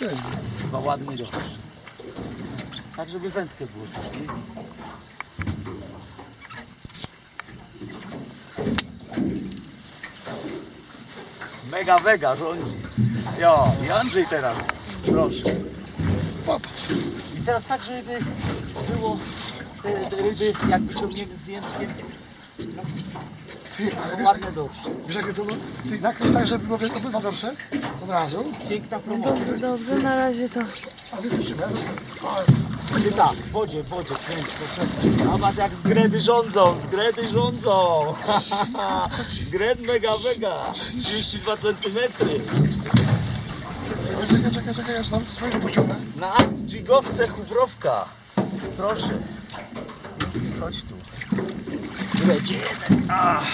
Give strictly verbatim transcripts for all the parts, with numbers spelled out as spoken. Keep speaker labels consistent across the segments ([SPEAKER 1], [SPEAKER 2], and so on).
[SPEAKER 1] Jest chyba ładny dorsz. Tak, żeby wędkę było też, nie? Mega, mega rządzi. Jo, i Andrzej teraz, proszę.
[SPEAKER 2] Popatrz.
[SPEAKER 1] I teraz tak, żeby było te, te ryby, jak wyciągniemy z jęczkiem,
[SPEAKER 2] Ty, ale wiesz,
[SPEAKER 1] ładne dorsze.
[SPEAKER 2] wiesz jakie to było? Ty nakrył tak, żeby było obydwa dorsze od razu.
[SPEAKER 1] Piękna promocja.
[SPEAKER 3] Dobrze, dobrze, na razie to.
[SPEAKER 2] A wypuścimy.
[SPEAKER 1] Ty tak, w wodzie, w wodzie, kręć, poczekaj. Zobacz jak zgredy rządzą, zgredy rządzą. Zgred mega, mega. trzydzieści dwa centymetry.
[SPEAKER 2] Czekaj, czekaj, czekaj, czekaj, ja tam swojego pociągnę.
[SPEAKER 1] Na dżigowce chubrowka. Proszę. Chodź tu. Leci jeden. Ah.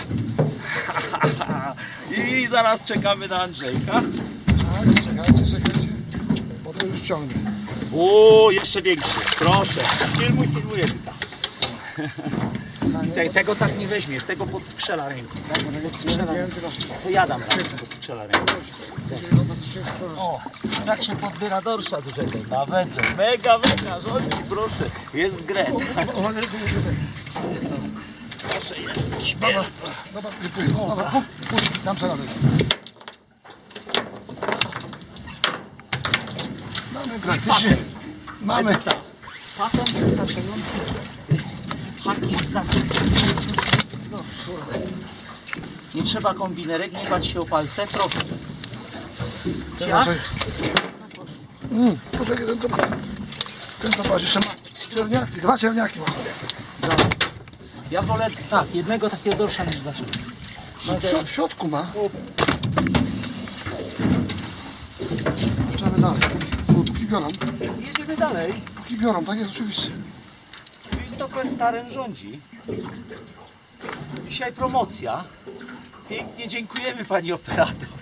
[SPEAKER 1] I zaraz czekamy na Andrzejka.
[SPEAKER 2] Tak, czekajcie, czekajcie. Bo to już ciągnę.
[SPEAKER 1] O, jeszcze większy. Proszę. Filmuj, filmuję tylko. Te, tego tak nie weźmiesz, tego podskrzela ręką. Podskrzela ręką. To ja dam raz, podskrzela ręką. O, tak się podbiera dorsza dużego. Na wędze. Mega, mega, rządzi, proszę. Jest zgret.
[SPEAKER 2] Uwaga, tylko muszę tak.
[SPEAKER 1] Proszę,
[SPEAKER 2] Dobra, dobra, wypływ. Dobra, puść, dam sobie radę. Mamy praktycznie, mamy.
[SPEAKER 1] Edyta, patent wystarczający. Haki z zakręcenia. No, nie trzeba kombinerek, nie bać się o palce, proszę. Ja?
[SPEAKER 2] Mm, poczekaj, ten to, ten to patrz, jeszcze ma czerniaki, dwa czerniaki ma.
[SPEAKER 1] Ja wolę tak, jednego takiego dorsza niż dlaczego.
[SPEAKER 2] W, środ- w środku ma. Puszczamy dalej, póki, póki biorą,
[SPEAKER 1] Jedziemy dalej.
[SPEAKER 2] póki biorą, tak jest oczywiście.
[SPEAKER 1] Christopher Staren rządzi. Dzisiaj promocja. Pięknie dziękujemy pani operator.